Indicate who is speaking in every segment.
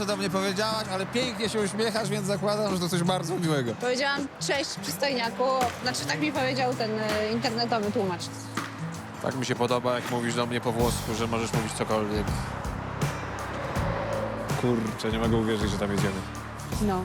Speaker 1: co do mnie powiedziałaś, ale pięknie się uśmiechasz, więc zakładam, że to coś bardzo miłego.
Speaker 2: Powiedziałam cześć przystojniaku. Znaczy tak mi powiedział ten internetowy tłumacz.
Speaker 1: Tak mi się podoba, jak mówisz do mnie po włosku, że możesz mówić cokolwiek. Kurczę, nie mogę uwierzyć, że tam jedziemy.
Speaker 2: No.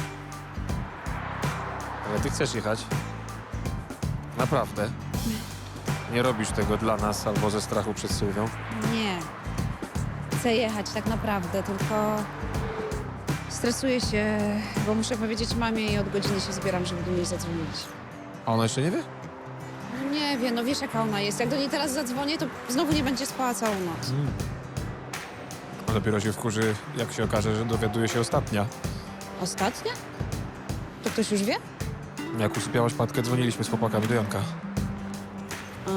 Speaker 1: Ale ty chcesz jechać? Naprawdę? Nie robisz tego dla nas albo ze strachu przed Sylwią?
Speaker 2: Nie. Chcę jechać tak naprawdę, tylko stresuję się, bo muszę powiedzieć mamie i od godziny się zbieram, żeby do niej zadzwonić.
Speaker 1: A ona jeszcze nie wie?
Speaker 2: No nie wie, no wiesz jaka ona jest. Jak do niej teraz zadzwonię, to znowu nie będzie spała całą noc.
Speaker 1: A dopiero się wkurzy, jak się okaże, że dowiaduje się ostatnia.
Speaker 2: Ostatnia? To ktoś już wie?
Speaker 1: Jak usypiałaś matkę, dzwoniliśmy z chłopakami do Janka.
Speaker 2: A.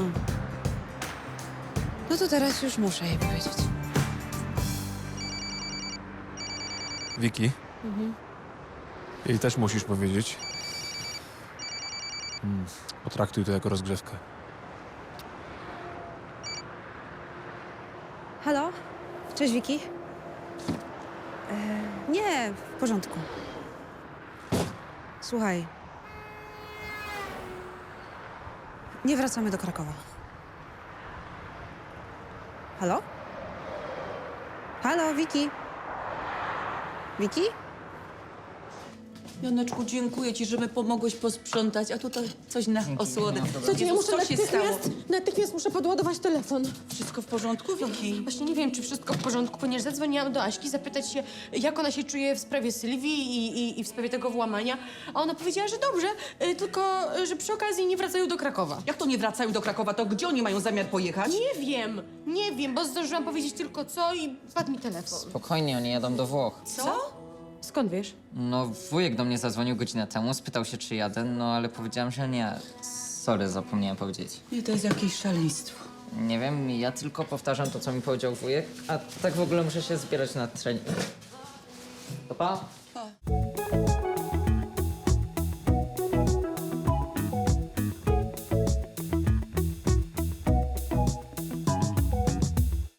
Speaker 2: No to teraz już muszę jej powiedzieć.
Speaker 1: Wiki,
Speaker 2: Mhm.
Speaker 1: jej też musisz powiedzieć. Potraktuj to jako rozgrzewkę.
Speaker 2: Halo? Cześć, Wiki. Nie, w porządku. Słuchaj. Nie wracamy do Krakowa. Halo? Halo, Wiki? Wiki?
Speaker 3: Janeczku, dziękuję ci, że mi pomogłeś posprzątać, a tutaj coś na osłodę.
Speaker 4: Słuchajcie, ja
Speaker 3: Jezus,
Speaker 4: muszę
Speaker 3: co się stało?
Speaker 4: natychmiast muszę podładować telefon.
Speaker 3: Wszystko w porządku, Wiki?
Speaker 4: Właśnie nie wiem, czy wszystko w porządku, ponieważ zadzwoniłam do Aśki zapytać się, jak ona się czuje w sprawie Sylwii i w sprawie tego włamania. A ona powiedziała, że dobrze, tylko że przy okazji nie wracają do Krakowa.
Speaker 3: Jak to nie wracają do Krakowa, to gdzie oni mają zamiar pojechać?
Speaker 4: Nie wiem, bo zdążyłam powiedzieć tylko co i padł mi telefon.
Speaker 5: Spokojnie, oni jadą do Włoch.
Speaker 3: Co?
Speaker 4: Skąd wiesz?
Speaker 5: No, wujek do mnie zadzwonił godzinę temu, spytał się, czy jadę, no ale powiedziałam, że nie. Sorry, zapomniałem powiedzieć.
Speaker 3: Nie, to jest jakieś szaleństwo.
Speaker 5: Nie wiem, ja tylko powtarzam to, co mi powiedział wujek, a tak w ogóle muszę się zbierać na trening. To pa?
Speaker 3: Pa.